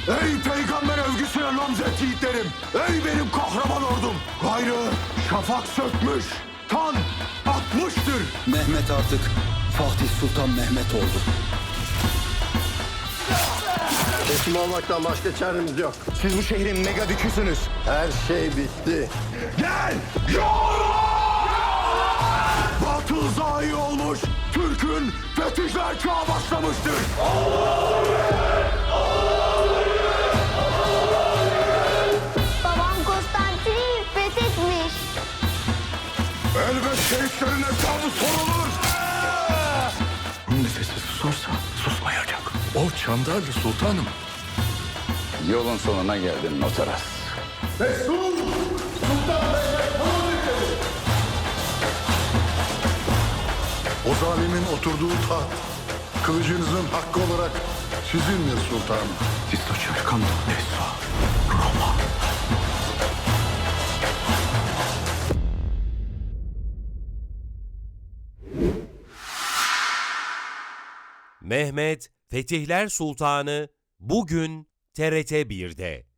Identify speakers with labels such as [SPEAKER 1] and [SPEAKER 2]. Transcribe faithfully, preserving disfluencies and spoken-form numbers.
[SPEAKER 1] Ey peygamber övgüsüne namzet yiğitlerim! Ey benim kahraman ordum! Gayrı şafak sökmüş, tan atmıştır!
[SPEAKER 2] Mehmet artık Fatih Sultan Mehmet oldu.
[SPEAKER 3] Teslim olmaktan başka çaremiz yok.
[SPEAKER 1] Siz bu şehrin mega düküsünüz.
[SPEAKER 3] Her şey bitti.
[SPEAKER 1] Gel! Yolla! Batıl zayi olmuş, Türk'ün fetihler çağı başlamıştır.
[SPEAKER 4] Babam Konstantin'i fethetmiş.
[SPEAKER 1] Elbet şehitlerin hesabı sorulur. Nefesi susarsa susmayacak. O Çandarlı Sultanım.
[SPEAKER 5] Yolun sonuna geldin Notaras.
[SPEAKER 1] Resul! Sultan Mehmet Han'ın
[SPEAKER 6] O zalimin oturduğu taht, kılıcınızın hakkı olarak sizindir sultanım.
[SPEAKER 1] Sisto cercando adesso Roma.
[SPEAKER 7] Mehmet Fetihler Sultanı bugün T R T bir'de.